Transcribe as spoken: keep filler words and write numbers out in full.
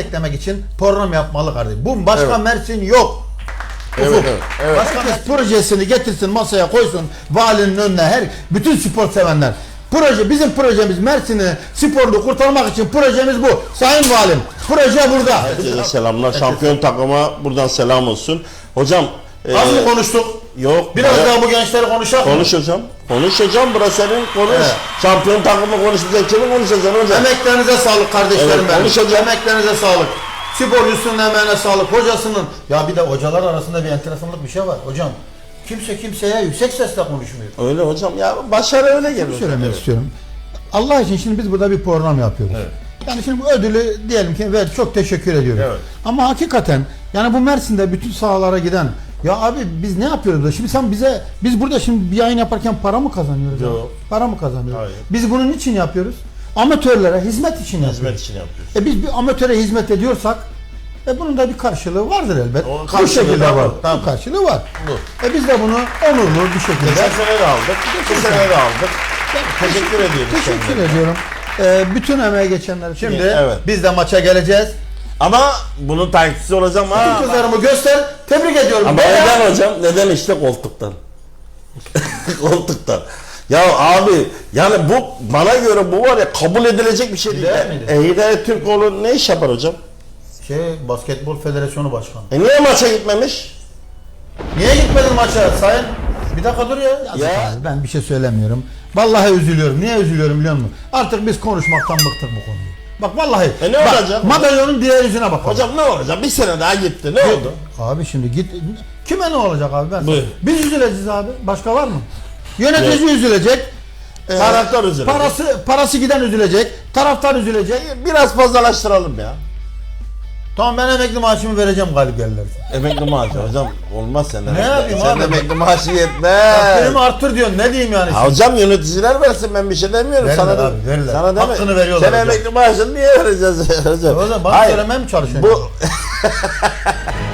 desteklemek için program yapmalı kardeşim. Bu başka Evet. Mersin yok. Evet, Ufuk. evet, evet. Başka Mersin projesini getirsin masaya koysun valinin önüne her bütün spor sevenler. Proje bizim projemiz Mersin'i sporlu kurtarmak için projemiz bu. Sayın Valim proje burada. Herkese selamlar. Şampiyon takıma buradan selam olsun. Hocam Az e, mı konuştuk? yok. Biraz baya- daha bu gençleri konuşalım. Konuş hocam. Konuş hocam. Burası senin konuş. Evet. Şampiyon takımı konuşmayacak. Kimi konuşacaksın hocam? Emeklerinize sağlık kardeşlerim Evet, benim. konuşacağım. Emeklerinize sağlık. Sporcusunun emeğine sağlık. Hocasının. Ya bir de hocalar arasında bir enteresanlık bir şey var. Hocam kimse kimseye yüksek sesle konuşmuyor. Öyle hocam ya. Başarı öyle Şunu geliyor. söylemek Evet. istiyorum. Allah için şimdi biz burada bir program yapıyoruz. Evet. Yani şimdi bu ödülü diyelim ki ver çok teşekkür ediyoruz. Evet. Ama hakikaten yani bu Mersin'de bütün sahalara giden ya abi biz ne yapıyoruz da şimdi sen bize biz burada şimdi bir yayın yaparken para mı kazanıyoruz? Yok. Abi? Para mı kazanıyoruz? Hayır. Biz bunun için yapıyoruz. Amatörlere hizmet için yapıyoruz. Hizmet için yapıyoruz. E biz bir amatöre hizmet ediyorsak e bunun da bir karşılığı vardır elbet. O Bu karşılığı şekilde da var. var. Bu Tamam. karşılığı var. Bu. E biz de bunu onurlu bir şekilde Geçen sene de aldık. Bu sene de aldık. Teşekkür ediyoruz. teşekkür kendilerine. ediyorum. E, bütün emeğe geçenler için. Şimdi Evet. biz de maça geleceğiz. Ama bunun takipçisi olacağım ha. Bütün kızlarımı göster. Tebrik ediyorum. Ama Beyler. neden hocam? Neden işte koltuktan? Koltuktan. Ya abi yani bu bana göre bu var ya kabul edilecek bir şey değil. Değil miydi? E, Hidayet Türkoğlu ne iş yapar hocam? Şey Basketbol Federasyonu Başkanı. E niye maça gitmemiş? Niye gitmedin maça sayın? Bir dakika dur ya. Yazık Ya. abi, ben bir şey söylemiyorum. Vallahi üzülüyorum. Niye üzülüyorum biliyor musun? Artık biz konuşmaktan bıktık bu konuyu. Bak vallahi. E ne bak, olacak? Madalyonun diğer yüzüne bak. Hocam ne olacak? Bir sene daha gitti. Ne oldu? Abi şimdi git. Kime ne olacak abi ben? Buyur. Biz üzüleceğiz abi. Başka var mı? Yönetici üzülecek. Ee, Taraftar üzülecek. Parası parası giden üzülecek. Taraftar üzülecek. Biraz fazlalaştıralım ya. Tamam ben emekli maaşımı vereceğim galip gelirler. Emekli maaşı hocam olmaz senden. Ne yapayım Sen abi? emekli maaşı yetmez. Takdirimi arttır diyorsun. Ne diyeyim yani? Ha, hocam yöneticiler versin ben bir şey demiyorum. Verirler sana da, abi, verirler. sana deme. Hakkını veriyorlar Sen hocam. emekli maaşını niye vereceğiz hocam? O zaman bana Hayır. söylemeye mi çalışıyorsun? Bu